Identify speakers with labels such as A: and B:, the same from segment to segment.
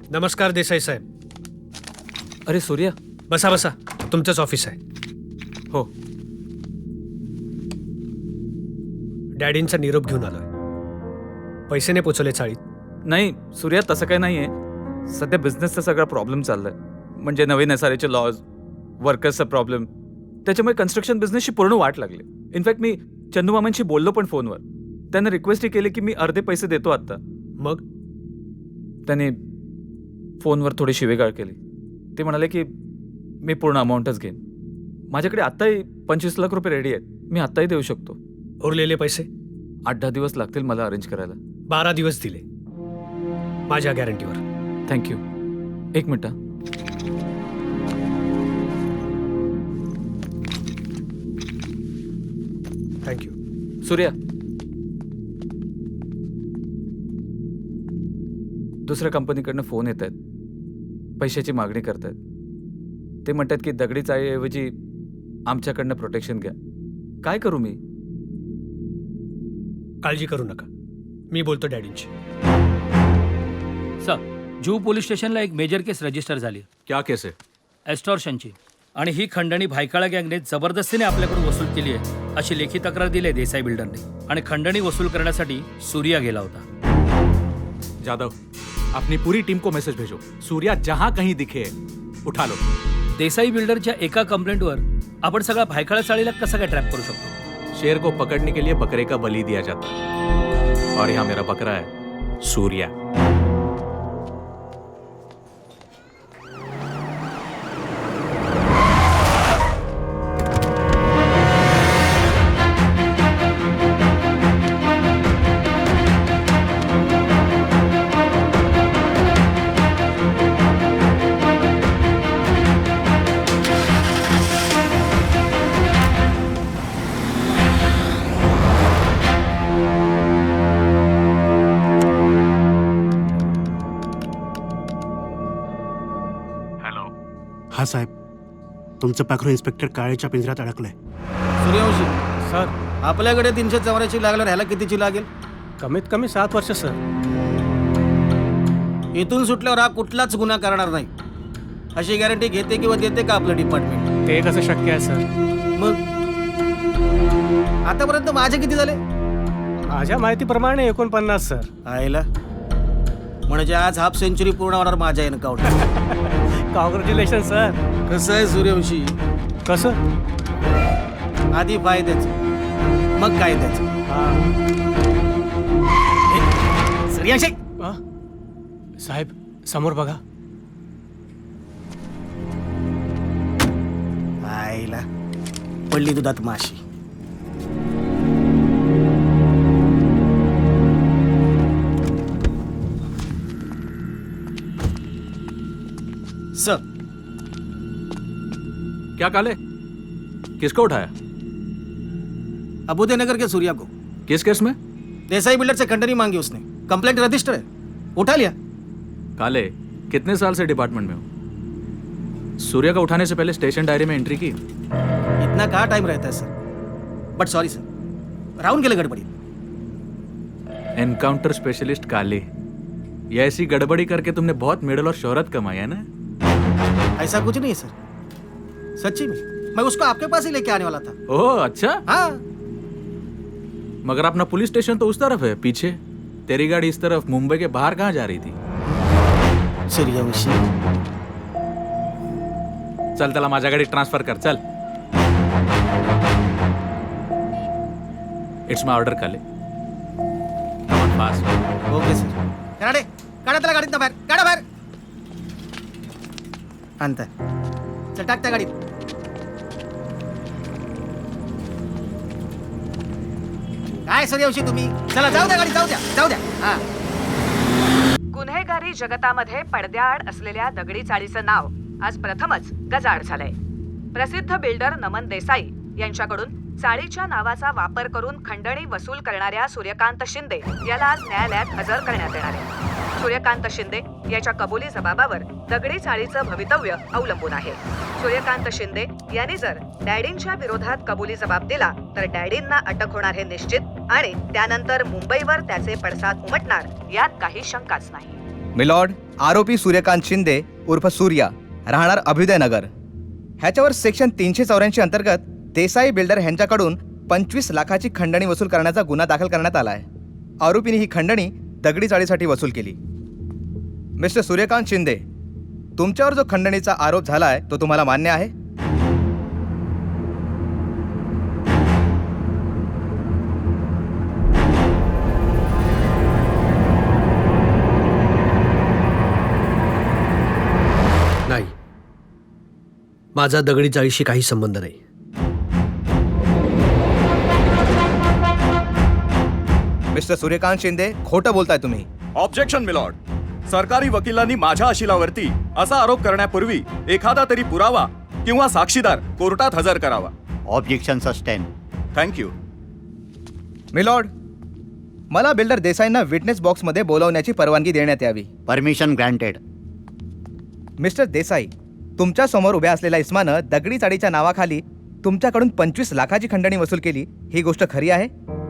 A: नमस्कार देसाई साहेब.
B: अरे सूर्या.
A: बसा बसा, तुमचंच ऑफिस आहे.
B: हो.
A: डॅडींचा निरोप घेऊन आलोय. पैसे नाही पोचवले चाळीत.
B: नाही सूर्या, तसं काही नाहीये. सध्या बिझनेसचा सगळा प्रॉब्लेम चाललाय. म्हणजे नवीन SRAचे लॉज, वर्कर्सचा प्रॉब्लेम, त्याच्यामुळे कन्स्ट्रक्शन बिझनेसची पूर्ण वाट लागली. इनफॅक्ट मी चंदू मामांशी बोललो पण फोनवर. त्यांना रिक्वेस्टही केली की मी अर्धे पैसे देतो आत्ता.
A: मग
B: त्याने फोनवर थोडी शिवेगाळ केली. ते म्हणाले की मी पूर्ण अमाऊंटच घेईन. माझ्याकडे आत्ताही 25 लाख रुपये रेडी आहेत. मी आत्ताही देऊ शकतो.
A: उरलेले पैसे
B: 8-10 दिवस लागतील मला अरेंज करायला.
A: 12 दिवस दिले माझ्या गॅरंटीवर.
B: थँक्यू. एक मिनिट.
A: थँक्यू.
B: सूर्या, दुसऱ्या कंपनीकडनं फोन येत आहेत. पैशाची मागणी करतायत. ते म्हणतात की दगडी चाळीऐवजी आमच्याकडनं प्रोटेक्शन घ्या. काय करू मी?
A: काळजी करू नका, मी बोलतो डॅडींची.
C: सर, जुहू पोलीस स्टेशनला एक मेजर केस रजिस्टर झाली.
B: क्या केस आहे?
C: एस्टॉर्शनची. आणि ही खंडणी भायखळा गँगने जबरदस्तीने आपल्याकडून वसूल केली आहे अशी लेखी तक्रार दिली आहे देसाई बिल्डरने. आणि खंडणी वसूल करण्यासाठी सूर्या गेला होता.
D: जादव, अपनी पूरी टीम को मैसेज भेजो. सूर्या जहां कहीं दिखे उठा लो.
C: देसाई बिल्डरच्या एका कंप्लेंटवर आपण सगळा भायखळा चाळीला कसा काय ट्रॅप करू शकतो?
D: शेर को पकड़ने के लिए बकरे का बलि दिया जाता है, और यहाँ मेरा बकरा है सूर्या.
E: हा साहेब, तुमचं पाखरू इन्स्पेक्टर काळेच्या पिंजऱ्यात अडकलंय.
F: सूर्यवंशी
A: सर,
F: आपल्याकडे 384 लागल्यावर ह्याला कितीची लागेल?
A: कमीत कमी 7 वर्ष सर.
F: इथून सुटल्यावर हा कुठलाच गुन्हा करणार नाही अशी गॅरंटी घेते किंवा देते का आपलं डिपार्टमेंट?
A: ते कसं शक्य आहे सर?
F: मग आतापर्यंत माझे किती झाले?
A: माझ्या माहितीप्रमाणे 49 सर.
F: आयला, म्हणजे आज हाफ सेंचुरी पूर्ण होणार माझ्या एन्काउंटर.
A: Congratulation sir.
F: कसं आहे सूर्यवंशी,
A: कसं?
F: आधी फायद्याचं मग कायद्याचं. सूर्यवंशी,
A: साहेब समोर बघा.
F: आईला पडली दुधात माशी. सर,
D: क्या काले, किसको उठाया?
F: अबुदयनगर के सूर्या को.
D: किस केस में?
F: देसाई बिल्डर से खंडनी मांगी उसने. कंप्लेंट रजिस्टर है, उठा लिया.
D: काले, कितने साल से डिपार्टमेंट में हो? सूर्या का उठाने से पहले स्टेशन डायरी में एंट्री की?
F: इतना कहाँ टाइम रहता है सर. बट सॉरी सर, राहून गेलं गडबडी.
D: एनकाउंटर स्पेशलिस्ट काले, ये ऐसी गड़बड़ी करके तुमने बहुत मेडल और शोहरत कमाई है ना?
F: ऐसा कुछ नहीं है सर, सच्ची में मैं उसको आपके पास ही लेके आने वाला था.
D: ओह अच्छा.
F: हाँ,
D: मगर अपना पुलिस स्टेशन तो उस तरफ है पीछे. तेरी गाड़ी इस तरफ मुंबई के बाहर कहाँ जा रही थी?
F: सूर्यवंशी,
D: चल त्याला माझ्या गाडीत ट्रान्सफर कर. चल. It's my order Kale. Come on fast.
F: Okay sir. Kanade, काढा त्याला गाडीत बाहेर. काढा बाहेर. आणताय. चल, टाक त्या गाडीत. काय सूर्यवंशी तुम्ही? चला जाऊ द्या गाडी, जाऊ द्या, जाऊ द्या. हा.
G: गुन्हेगारी जगतामध्ये पडद्याआड असलेल्या दगडी चाळीचं नाव आज प्रथमच गजाआड झालंय. प्रसिद्ध बिल्डर नमन देसाई यांच्याकडून चाळीच्या नावाचा वापर करून खंडणी वसूल करणाऱ्या सूर्यकांत शिंदे याला आज न्यायालयात हजर करण्यात येणार आहे. सूर्यकांत शिंदे याच्या कबुली जबाबावर दगडी चाळीचं भवितव्य अवलंबून आहे. सूर्यकांत शिंदे यांनी जर डॅडींच्या विरोधात कबुली जबाब दिला तर डॅडींना अटक होणार हे निश्चित आणि त्यानंतर मुंबईवर त्याचे पडसाद उमटणार यात काही शंकाच नाही.
H: मिलॉर्ड, आरोपी सूर्यकांत शिंदे उर्फ सूर्या राहणार अभ्युदयनगर ह्याच्यावर सेक्शन 384 अंतर्गत देसाई बिल्डर ह्यांच्याकडून 25 लाखाची खंडणी वसूल करण्याचा गुन्हा दाखल करण्यात आला आहे. आरोपीने ही खंडणी दगडी चाळीसाठी वसूल केली. मिस्टर सूर्यकांत शिंदे, तुमच्यावर जो खंडणीचा आरोप झाला आहे तो तुम्हाला मान्य आहे?
A: नाही, माझा दगडी चाळीशी काही संबंध नाही.
H: मिस्टर सूर्यकांत शिंदे, खोटं बोलताय तुम्ही.
I: Objection milord. सरकारी वकिलांनी माझ्या अशिलावरती असा आरोप करण्यापूर्वी एखादा तरी पुरावा किंवा साक्षीदार कोर्टात हजर करावा.
J: Objection sustain.
I: थँक्यू.
H: मिलॉर्ड, मला बिल्डर देसाईंना विटनेस बॉक्समध्ये बोलावण्याची परवानगी देण्यात यावी.
J: Permission granted.
H: मिस्टर देसाई, तुमच्या समोर उभ्या असलेल्या इस्मानं दगडी चाळीच्या नावाखाली तुमच्याकडून 25 लाखाची खंडणी वसूल केली, ही गोष्ट खरी आहे?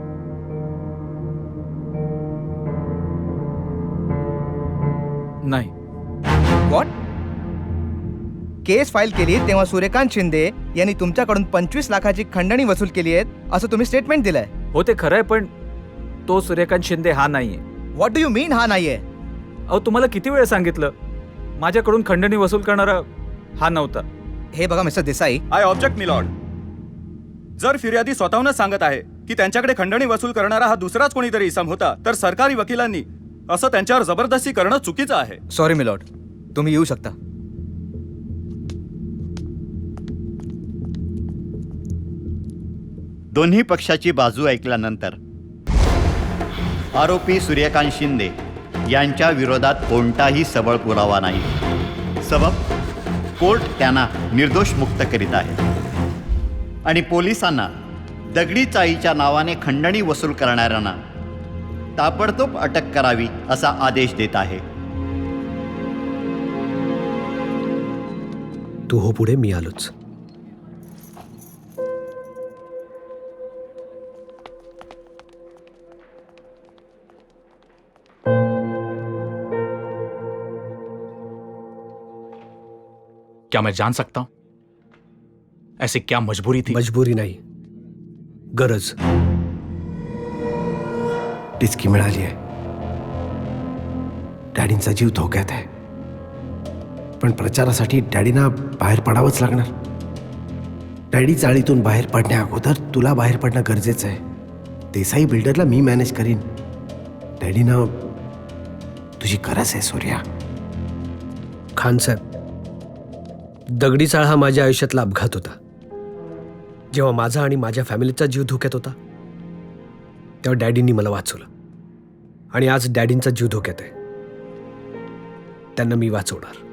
B: नाही.
H: व्हॉट? केस फाईल केली तेव्हा सूर्यकांत शिंदे यांनी तुमच्याकडून 25 लाखाची खंडणी वसूल केली आहे असं तुम्ही स्टेटमेंट दिलंय.
B: हो ते खरं आहे, पण तो सूर्यकांत शिंदे हा नाहीये.
H: व्हॉट डू यू मीन हा नाहीये?
B: अहो तुम्हाला किती वेळ सांगितलं, माझ्याकडून खंडणी वसूल करणारा हा नव्हता.
H: हे बघा mister Desai,
I: I object milord. जर फिर्यादी स्वतःहूनच सांगत आहे की त्यांच्याकडे खंडणी वसूल करणारा हा दुसराच कोणीतरी इसम होता, तर सरकारी वकिलांनी असं त्यांच्यावर जबरदस्ती करणं चुकीचं आहे.
H: सॉरी मिलॉर्ड, तुम्ही येऊ शकता.
J: दोन्ही पक्षाची बाजू ऐकल्यानंतर आरोपी सूर्यकांत शिंदे यांच्या विरोधात कोणताही सबळ पुरावा नाही. सबब कोर्ट त्यांना निर्दोष मुक्त करीत आहे आणि पोलिसांना दगडी चाळीच्या नावाने खंडणी वसूल करणाऱ्यांना ताबडतोब अटक करावी असा आदेश देत आहे.
A: तू हो पुढे, मी आलोच.
D: क्या मैं जान सकता हूं ऐसी क्या मजबूरी थी?
A: मजबुरी नाही, गरज. टिचकी मिळाली आहे. डॅडींचा जीव धोक्यात आहे, पण प्रचारासाठी डॅडींना बाहेर पडावंच लागणार. डॅडी चाळीतून बाहेर पडण्या अगोदर तुला बाहेर पडणं गरजेचं आहे. देसाई बिल्डरला मी मॅनेज करीन. डॅडींना तुझी गरज आहे सूर्या. खान साहेब, दगडी चाळ हा माझ्या आयुष्यातला अपघात होता. जेव्हा माझा आणि माझ्या फॅमिलीचा जीव धोक्यात होता तेव्हा डॅडींनी मला वाचवलं, आणि आज डॅडींचा जीव धोक्यात आहे. त्यांना मी वाचवणार.